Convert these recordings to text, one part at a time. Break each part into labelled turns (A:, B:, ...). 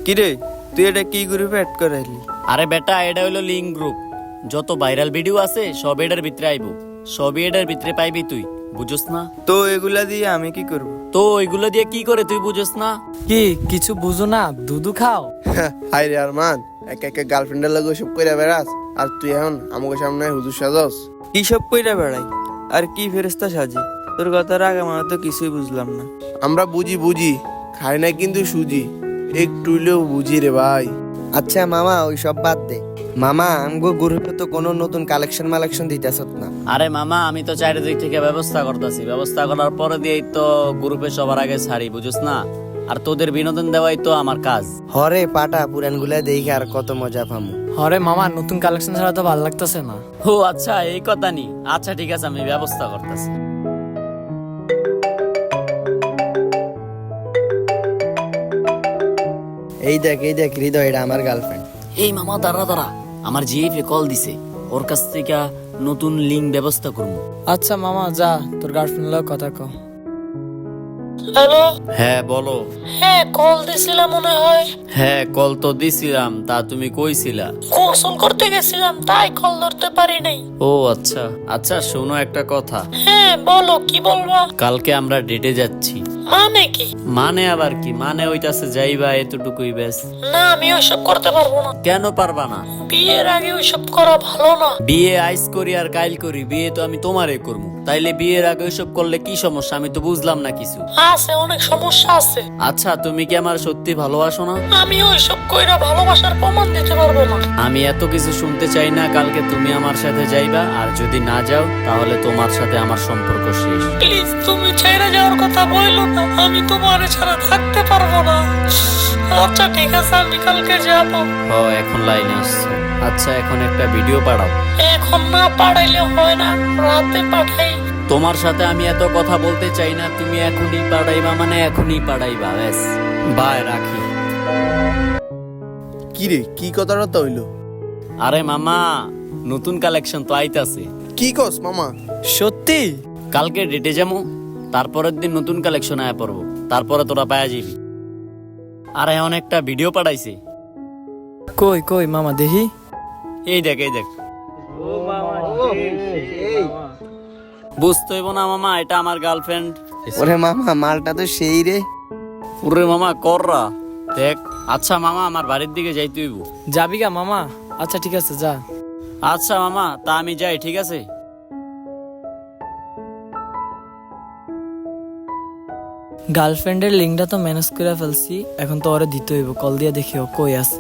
A: কিরে তুই এটা কি গ্রুপে অ্যাড করাইলি?
B: আরে বেটা, এটা হইলো লিঙ্ক গ্রুপ। যত ভাইরাল ভিডিও আছে সব এটার ভিতরে আইবো, সবই এটার ভিতরে পাইবি তুই, বুঝছ না?
A: তো এগুলা দিয়ে আমি কি করব?
B: তো ওইগুলো দিয়ে কি করে তুই বুঝছ না?
C: কি কিছু বুঝো না? দুধু খাও।
D: হাই রে আরমান, একা একা গার্লফ্রেন্ডের লগে সব কইরা বেড়াস আর তুই এখন আমাকে সামনে হুজুর সাজস।
A: কি সব কইরা বেড়াই আর কি ফেরেস্তা সাজি? তোর কথার আগে আমার তো কিছুই বুঝলাম না।
D: আমরা বুঝি খাই না কিন্তু সুজি, একটু হইলেও বুঝি রে ভাই।
E: আচ্ছা মামা ওই সব বাদ দে। মামা আমগো গ্রুপে তো কোনো নতুন কালেকশন দিতেছত না।
B: আরে মামা, আমি তো চারিদিক থেকে ব্যবস্থা করতেছি, ব্যবস্থা করার পরে দিয়েই তো গ্রুপে সবার আগে ছাড়ি, বুঝছ না? আর তোদের বিনোদন দেওয়াই তো আমার কাজ।
E: হরে পাটা পুরান গুলা দেখে আর কত মজা পামু।
C: হরে মামা, নতুন কালেকশন ছাড়া তো ভালো লাগতেছে না।
B: ও আচ্ছা, এই কথা নি। আচ্ছা ঠিক আছে, আমি ব্যবস্থা করতেছি।
E: এই দেখ হৃদয়, এটা আমার গার্লফ্রেন্ড।
B: এই মামা, দাঁড়া, আমার জিএফে কল দিছে, ওর কাছ থেকে নতুন লিঙ্ক ব্যবস্থা করবো।
C: আচ্ছা মামা যা, তোর গার্লফ্রেন্ড লোক কথা কো।
F: হ্যালো,
B: হ্যাঁ বলো।
F: হ্যাঁ কল দিছিলাম মনে হয়।
B: হ্যাঁ কল তো দিছিলাম, তা তুমি কইছিলা?
F: গোসল করতে গেছিলাম তাই কল ধরতে পারি নাই।
B: ও আচ্ছা আচ্ছা, শোনো একটা কথা।
F: হ্যাঁ বলো, কি বলবা?
B: কালকে আমরা ডেটে যাচ্ছি।
F: মানে কি?
B: মানে আবার কি? মানে ওইটাছে যাইবা, এতটুকুই ব্যাস।
F: না, আমি ওইসব করতে পারবো না।
B: কেন পারবা না?
F: বিয়ের আগে ওইসব করা ভালো না।
B: বিয়ে আইস করি আর কাইল করি, বিয়ে তো আমি তোমারে করবো, তাইলে বিয়ের আগে ওইসব করলে কি সমস্যা? আমি তো বুঝলাম না কিছু।
F: আছে, অনেক সমস্যা আছে।
B: আচ্ছা, তুমি কি আমার সত্যি ভালোবাসো না?
F: আমি ওইসব কইরা ভালোবাসার প্রমাণ দিতে পারবো না।
B: আমি এত কিছু শুনতে চাই না। কালকে তুমি আমার সাথে যাইবা, আর যদি না যাও তাহলে তোমার সাথে আমার সম্পর্ক শেষ।
F: প্লিজ তুমি ছেড়ে যাওয়ার কথা বললো না, আমি তোমার ছাড়া থাকতে পারবো না। আচ্ছা ঠিক আছে, আমি কালকে যাবো।
B: ও এখন লাইনে আসছে। আচ্ছা এখন একটা ভিডিও পাঠাও।
F: এখন না পাঠাইলে হয় না, রাতে পাঠাই।
B: তোমার সাথে আমি এত কথা বলতে চাই না, তুমি এখনই পাঠাইবা মানে এখনই পাঠাইবা, ব্যাস। বাই, রাখি।
D: কি রে, কি কথাটা হইলো?
B: আরে মামা, নতুন কালেকশন তো আইতাছে।
D: কি কস মামা?
C: সত্যি?
B: কালকে ডেটে যাবো, তারপরের দিন নতুন কালেকশন আয়া পড়বো, তারপরে তোরা পায়া যাবি। আর এখন একটা ভিডিও পাঠাইছে।
C: কই মামা দেখি।
B: এই দেখ বুঝতে হইব না মামা, এটা আমার গার্লফ্রেন্ড।
E: ওরে মামা মালটা তো সেই রে।
B: পুরে মামা কররা দেখ। আচ্ছা মামা, আমার বাড়ির দিকে যাইতে হইব।
C: যাবি গা মামা? আচ্ছা ঠিক আছে যা।
B: আচ্ছা মামা, তা আমি যাই, ঠিক আছে?
C: গার্লফ্রেন্ডের লিঙ্কটা তো ম্যানেজ করে ফেলছি, এখন তো ওরে দিতে হইব। কল দিয়ে দেখি ও কই আছে।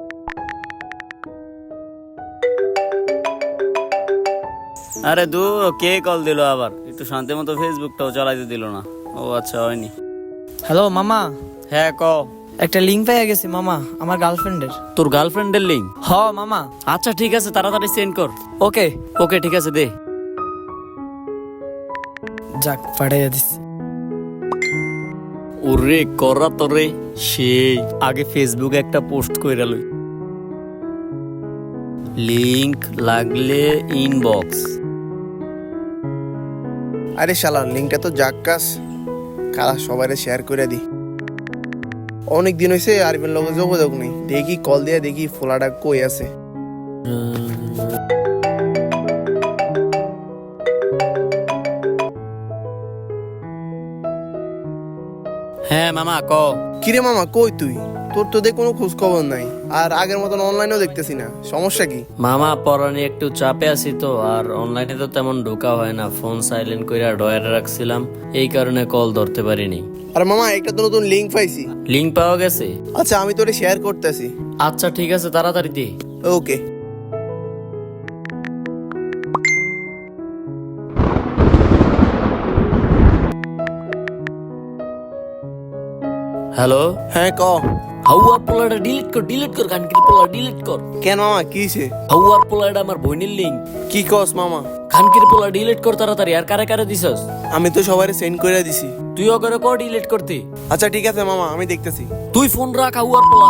B: আরে দূর, কে কল দিল আবার? একটু শান্তি মতো ফেসবুকটাও চালাইতে দিল না। ও আচ্ছা, হয়নি।
C: হ্যালো মামা,
B: হ্যাঁ ক।
C: একটা লিঙ্ক পেয়ে গেছি মামা, আমার গার্লফ্রেন্ডের।
B: তোর গার্লফ্রেন্ডের লিঙ্ক?
C: হ মামা।
B: আচ্ছা ঠিক আছে, তাড়াতাড়ি সেন্ড কর।
C: ওকে
B: ওকে ঠিক আছে, দে।
C: যাক, পাঠিয়ে দিচ্ছি।
B: ওরে কররা তোরে, সেই আগে ফেসবুকে একটা পোস্ট কইরা লই। লিংক লাগলে ইনবক্স।
D: আরে শালা, লিঙ্কটা তো জাক্কাস, কারা সবাইরে শেয়ার করে দি। অনেক দিন হয়েছে আরবিন লগে যোগাযোগ নেই, দেখি কল দিয়া দেখি ফোলাটা কই আছে।
B: হ্যাঁ মামা ক।
D: কিরে মামা, কই তুই? তোর তো দেখ কোনো খোঁজ খবর নাই, আর আগের মতন অনলাইনেও দেখতেছি না, সমস্যা কি?
B: মামা পড়ানি একটু চাপে আছি তো, আর অনলাইনে তো তেমন ঢোকা হয় না, ফোন সাইলেন্ট কইরা ডয়ারে রাখছিলাম, এই কারণে কল ধরতে পারিনি।
D: আর মামা একটা তো নতুন লিঙ্ক পাইছি।
B: লিংক পাওয়া গেছে?
D: আচ্ছা আমি তোরে শেয়ার করতেছি।
B: আচ্ছা ঠিক আছে, তাড়াতাড়ি দে।
D: ওকে।
B: হ্যালো।
D: হ্যাঁ ক।
B: হাউয়ার পোলাটা ডিলিট কর, খানকির পোলা ডিলিট কর।
D: কেন মামা, কি হইছে?
B: হাউয়ার পোলাটা আমার বোনের লিঙ্ক।
D: কি কস মামা?
B: খানকির পোলা ডিলিট কর তাড়াতাড়ি। আর কারে কারে দিছস?
D: আমি তো সবাই সেন্ড করে দিছি।
B: তুইও করে কর ডিলিট করতে।
D: আচ্ছা ঠিক আছে মামা, আমি দেখতেছি।
B: তুই ফোন রাখ, হাউয়ার পোলা।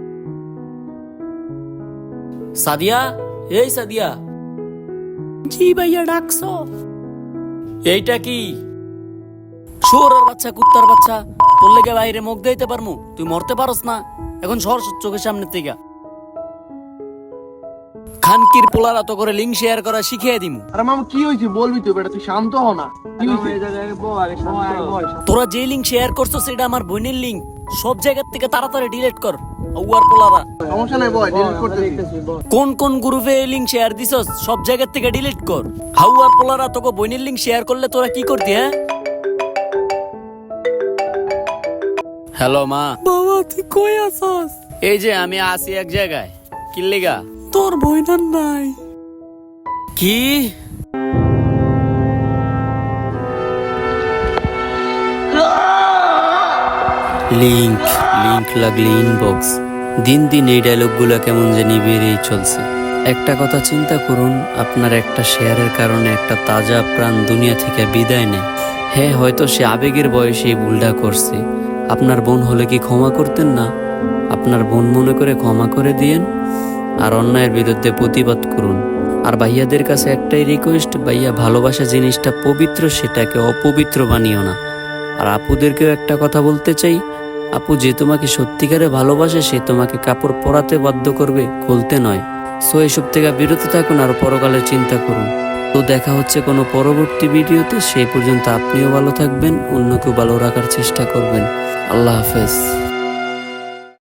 B: সাদিয়া, এই সাদিয়া। জি ভাইয়া, ডাকছো? এইটা কি? শুয়োরের বাচ্চা, কুত্তার বাচ্চা, তোর লেগে বাইরে মুখ দিতে পারমু? তুই মরতে পারস না? এখন সর চোখের সামনে থেকে। খানকির পোলারা তো করে লিঙ্ক শেয়ার করা শিখিয়ে দিমু।
D: আরে মামা কি হয়েছে বলবি তো বেটা, তুই শান্ত হ না। কি হয়েছে?
B: তোরা যে লিঙ্ক শেয়ার করছো সেটা আমার বোনের লিঙ্ক, সব জায়গা থেকে তাড়াতাড়ি ডিলিট কর। উয়ার পোলারা
D: সমস্যা নাই বয়, ডিলিট করতেছি।
B: কোন কোন গ্রুপে লিঙ্ক শেয়ার দিছস সব জায়গা থেকে ডিলিট কর। হাউয়ার পোলারা তোকে বোনের লিঙ্ক শেয়ার করলে তোরা কি করতি? হ্যাঁ হ্যালো মা।
F: বাবা তুই কই আছস?
B: এই যে আমি আছি এক জায়গায়। কিল্লিগা?
F: তোর বইনার নাই।
B: কি? লিঙ্ক লিঙ্ক লাগলে ইনবক্স। দিন দিন এই ডায়লগগুলো কেমন জানি বেড়েই চলছে। একটা কথা চিন্তা করুন, আপনার একটা শেয়ারের কারণে একটা তাজা প্রাণ দুনিয়া থেকে বিদায় নেয়। হ্যাঁ, হয়তো সে আবেগের বয়সে এই ভুলটা করছে। আপনার বোন হলে কি ক্ষমা করতেন না? আপনার বোন মনে করে ক্ষমা করে দিয়েন আর অন্যায়ের বিরুদ্ধে প্রতিবাদ করুন। আর ভাইয়াদের কাছে একটাই রিকোয়েস্ট, ভাইয়া ভালোবাসা জিনিসটা পবিত্র, সেটাকে অপবিত্র বানিও না। আর আপুদেরকেও একটা কথা বলতে চাই, আপু যে তোমাকে সত্যিকারে ভালোবাসে সে তোমাকে কাপড় পরাতে বাধ্য করবে, খুলতে নয়। সো এসব থেকে বিরত থাকুন আর পরকালের চিন্তা করুন। তো দেখা হচ্ছে কোনো পরবর্তী ভিডিওতে। সেই পর্যন্ত আপনিও ভালো থাকবেন, অন্যকেও ভালো রাখার চেষ্টা করবেন। আল্লাহ হাফেজ।